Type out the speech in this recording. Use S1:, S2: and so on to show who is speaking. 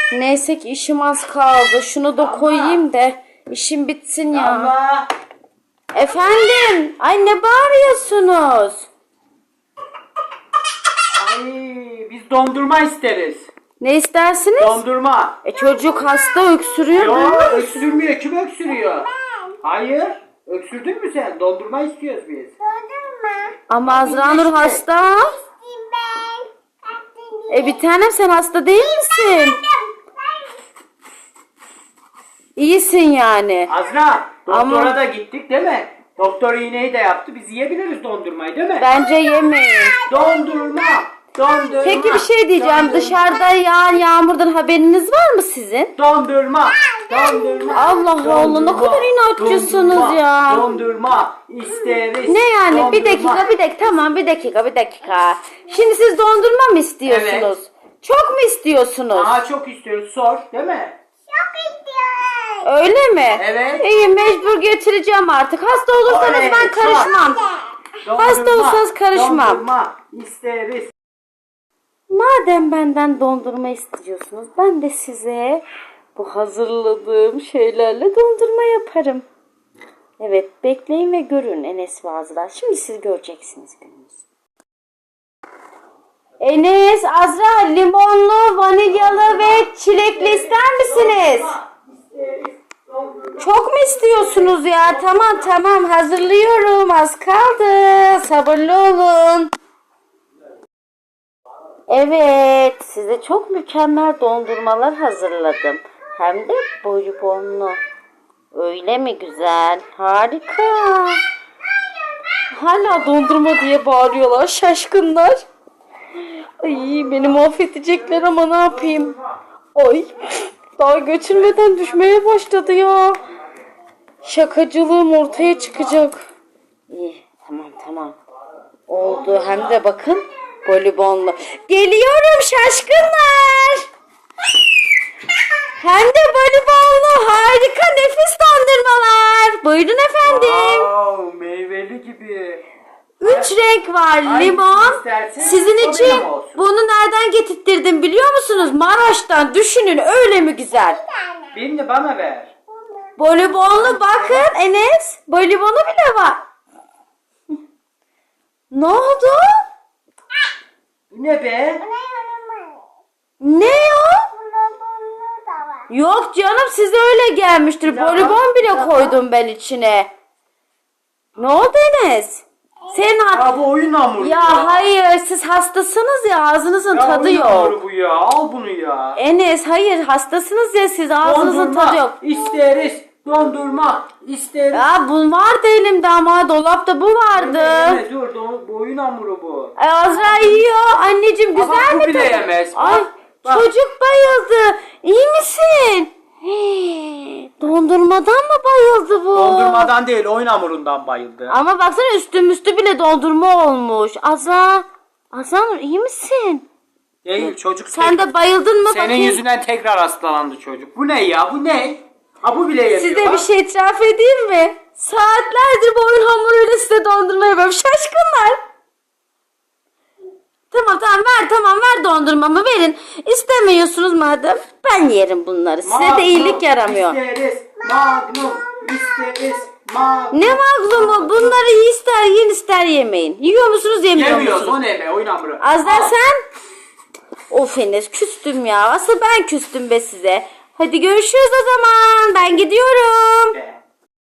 S1: Neyse ki işim az kaldı. Şunu da koyayım da işim bitsin ya.
S2: Allah.
S1: Efendim? Ay ne bağırıyorsunuz?
S2: Ay, biz dondurma isteriz.
S1: Ne istersiniz?
S2: Dondurma.
S1: Çocuk hasta öksürüyor.
S2: Yok, öksürmüyor. Kim öksürüyor? Hayır. Öksürdün mü sen? Dondurma istiyoruz biz.
S1: Ama Azra Nur hasta. Bir tanem sen hasta değil misin? İyisin yani.
S2: Azra, doktora
S1: Ama-
S2: da gittik değil mi? Doktor iğneyi de yaptı. Biz yiyebiliriz dondurmayı değil mi?
S1: Bence yemeyin.
S2: Dondurma. Dondurma.
S1: Peki bir şey diyeceğim.
S2: Dondurma.
S1: Dışarıda yağan yağmurdan haberiniz var mı sizin?
S2: Dondurma. Dondurma.
S1: Allah Allah, ne kadar inatçısınız
S2: dondurma,
S1: ya.
S2: Dondurma isteriz.
S1: Ne yani?
S2: Dondurma.
S1: Bir dakika. Tamam bir dakika. Şimdi siz dondurma mı istiyorsunuz?
S2: Evet.
S1: Çok mu istiyorsunuz?
S2: Daha çok istiyoruz. Sor değil mi?
S1: Öyle mi?
S2: Evet.
S1: İyi, mecbur getireceğim artık. Hasta olursanız
S2: Oley,
S1: ben karışmam. Hasta olsanız karışmam.
S2: Dondurma isteriz.
S1: Madem benden dondurma istiyorsunuz, ben de size bu hazırladığım şeylerle dondurma yaparım. Evet, bekleyin ve görün Enes ve Azra. Şimdi siz göreceksiniz gününüzü. Enes, Azra, limonlu, vanilyalı ve çilekli ister misiniz? Çok mu istiyorsunuz ya? Tamam hazırlıyorum. Az kaldı. Sabırlı olun. Evet, size çok mükemmel dondurmalar hazırladım. Hem de bonibonlu. Öyle mi güzel? Harika. Hala dondurma diye bağırıyorlar şaşkınlar. Ay beni mahvedecekler ama ne yapayım? Ay daha götürmeden düşmeye başladı ya. Şakacılığım ortaya çıkacak. İyi tamam. Oldu hem de bakın voleybollu. Geliyorum şaşkınlar. Hem de voleybollu harika nefis dondurmalar. Buyurun efendim.
S2: Wow, meyveli gibi.
S1: 3 renk var.
S2: Hangisini
S1: Limon.
S2: isterseniz
S1: Sizin
S2: oraya
S1: için
S2: mı olsun?
S1: bunu nereden getirttirdim biliyor musunuz? Maraş'tan. Düşünün öyle mi güzel?
S2: Birini bana ver.
S1: Voleybolu bakın Enes. Voleybolu bile var. Ne oldu?
S2: Bu ne be?
S1: Ne o? Yok canım size öyle gelmiştir.
S2: Ya,
S1: Voleybol bile koydum ben içine. Ne oldu Enes? Senin
S2: Ya bu oyun hamuru.
S1: Ya hayır siz hastasınız ya ağzınızın
S2: Ya
S1: tadı
S2: oyun
S1: yok.
S2: hamuru bu ya. Al bunu ya.
S1: Enes hayır hastasınız ya siz ağzınızın tadı yok.
S2: isteriz. Dondurma isteriz.
S1: Ya bu vardı elimde ama dolapta bu vardı.
S2: Yeme, dur. Bu oyun hamuru bu.
S1: Azra yiyor. Anneciğim güzel
S2: Ama bu
S1: mi
S2: bile
S1: tadı?
S2: yemez. Bak,
S1: Ay
S2: bak.
S1: çocuk bayıldı. İyi misin? Dondurmadan mı bayıldı bu?
S2: Dondurmadan değil oyun hamurundan bayıldı.
S1: Ama baksana üstü bile dondurma olmuş. Azra Nur iyi misin?
S2: Değil çocuk.
S1: Sen de bayıldın mı
S2: Senin
S1: bakayım?
S2: yüzünden tekrar hastalandı çocuk. Bu ne ya? Bu ne? Ha bu bile yemiyor.
S1: Size
S2: bak.
S1: bir şey itiraf edeyim mi? Saatlerdir bu oyun hamuruyla size dondurma yapıyorum. Şaşkınlar. Tamam ver dondurmamı verin. İstemiyorsunuz madem ben yerim bunları. Size de iyilik yaramıyor.
S2: İsteriz. Magnum isteriz. Magnum.
S1: Ne maglumu bunları ister yiyin ister yemeyin. Yiyor musunuz yemiyor
S2: Yemiyoruz
S1: musunuz?
S2: o ne be oyun hamuru.
S1: Azra
S2: Al.
S1: sen? Of Enes küstüm ya. Asıl ben küstüm be size. Hadi görüşürüz o zaman. Ben gidiyorum.